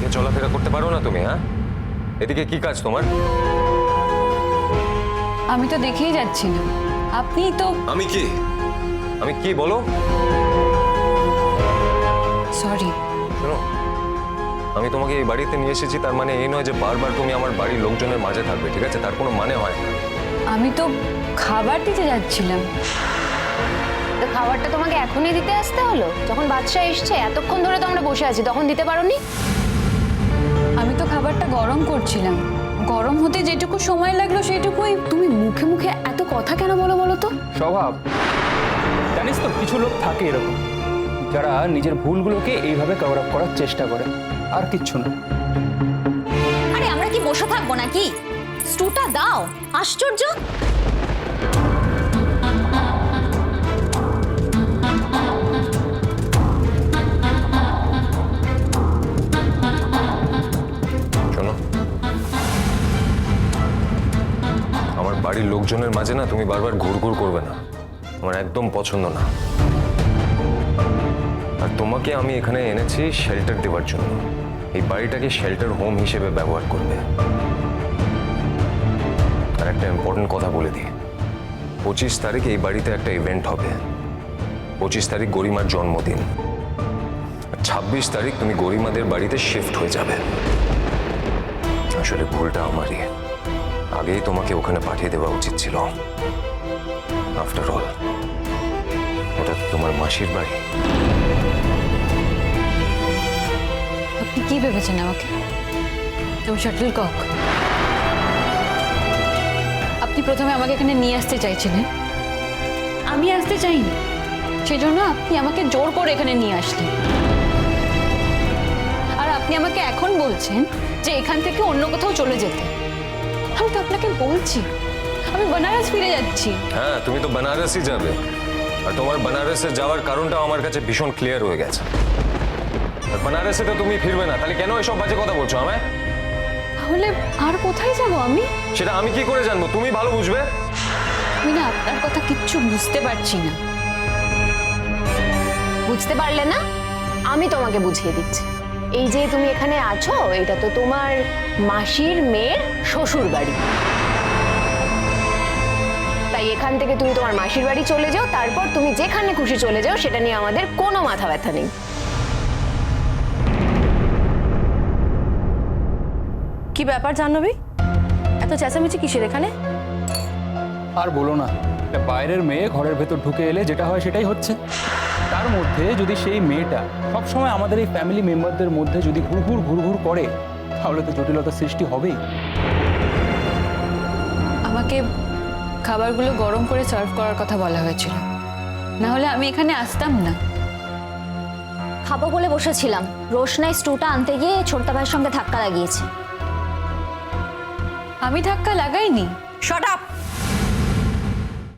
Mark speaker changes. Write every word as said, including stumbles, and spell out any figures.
Speaker 1: এদিকে চলাফেরা করতে পারো না তুমি? হ্যাঁ, এদিকে কি কাজ তোমার?
Speaker 2: আমি তো দেখেই যাচ্ছি না, আপনি তো।
Speaker 1: আমি কি আমি কি বলো?
Speaker 2: সরি।
Speaker 1: শোনো, আমি তোমাকে এই বাড়িতে নিয়ে এসেছি, তার মানে এই নয় যে বারবার তুমি আমার বাড়ির লোকজনের মাঝে থাকবে, ঠিক আছে? তার কোনো মানে হয় না।
Speaker 2: আমি তো খাবার দিতে যাচ্ছিলাম।
Speaker 3: তো খাবারটা তোমাকে এখনই দিতে আসতে হলো? যখন বাদশা এসছে, এতক্ষণ ধরে তো আমরা বসে আছি, তখন দিতে পারোনি?
Speaker 2: আমি তো খাবারটা গরম করছিলাম, গরম হতে যেটুকু সময় লাগলো সেটুকুই। তুমি মুখে মুখে এত কথা কেন বলো বলো তো?
Speaker 4: স্বভাব। জানিস তো, কিছু লোক থাকে এরকম, যারা নিজের ভুলগুলোকে এইভাবে কভার আপ করার চেষ্টা করে, আর কিচ্ছু না।
Speaker 5: আরে আমরা কি বসে থাকবো নাকি? স্টুটা দাও। আশ্চর্য।
Speaker 1: শোনো, আমার বাড়ির লোকজনের মাঝে না তুমি বারবার ঘুরঘুর করবে না, আমার একদম পছন্দ না। আর তোমাকে আমি এখানে এনেছি শেল্টার দেওয়ার জন্য। এই বাড়িটাকে শেল্টার হোম হিসেবে ব্যবহার করবে। আর একটা ইম্পর্টেন্ট কথা বলে দিই, পঁচিশ তারিখ এই বাড়িতে একটা ইভেন্ট হবে। পঁচিশ তারিখ গরিমার জন্মদিন, আর ছাব্বিশ তারিখ তুমি গরিমাদের বাড়িতে শিফট হয়ে যাবে। আসলে ভুলটা আমারই, আগেই তোমাকে ওখানে পাঠিয়ে দেওয়া উচিত ছিল। আফটার অল ওটা তোমার মাসির বাড়ি।
Speaker 2: আপনি কি ভেবেছেন আমাকে? তুমি শাটল কক। আপনি প্রথমে আমাকে এখানে নিয়ে আসতে চাইছিলেন, আমি আসতে চাইনি, সেজন্য আপনি আমাকে জোর করে এখানে নিয়ে আসলেন। আর আপনি আমাকে এখন বলছেন যে এখান থেকে অন্য কোথাও চলে যেতে। আমি তো আপনাকে বলছি আমি বেনারস ফিরে যাচ্ছি।
Speaker 1: হ্যাঁ, তুমি তো বেনারসই যাবে, আর তোমার বেনারসে যাওয়ার কারণটা আমার কাছে ভীষণ ক্লিয়ার হয়ে গেছে। আর বেনারসে তো তুমি ফিরবে না, তাহলে কেন এসব বাজে কথা বলছো আমায়?
Speaker 2: তাহলে আর কোথায় যাব আমি?
Speaker 1: সেটা আমি কি করে জানবো? তুমি ভালো বুঝবে।
Speaker 2: আমি না আপনার কথা কিচ্ছু বুঝতে পারছি না।
Speaker 3: বুঝতে পারলে না? আমি তোমাকে বুঝিয়ে দিচ্ছি। এই যে তুমি এখানে আছো, এটা তো তোমার মাসির মেয়ের শ্বশুর বাড়ি। তাই এখান থেকে তুমি তোমার মাসির বাড়ি চলে যাও, তারপর তুমি যেখানে খুশি চলে যাও, সেটা নিয়ে আমাদের কোনো মাথা ব্যথা নেই।
Speaker 6: কি ব্যাপার জাহ্নবী, এত চেঁচামেচি কিসের এখানে?
Speaker 4: আর বলো না, একটা বাইরের মেয়ে ঘরের ভেতর ঢুকে এলে যেটা হয় সেটাই হচ্ছে। তার মধ্যে যদি সেই মেয়েটা সবসময় আমাদের এই ফ্যামিলি মেম্বারদের মধ্যে যদি ঘুরঘুর ঘুরঘুর করে, তাহলে তো জটিলতার সৃষ্টি হবেই।
Speaker 2: আমাকে খাবারগুলো গরম করে সার্ভ করার কথা বলা হয়েছিল, না হলে আমি এখানে আসতাম না।
Speaker 5: খাবো বলে বসেছিলাম, রোশনাই স্টুটা আনতে গিয়ে ছোট্টা ভাইয়ের সঙ্গে ধাক্কা লাগিয়েছে।
Speaker 2: আমি ধাক্কা লাগাইনি।
Speaker 6: Shot up.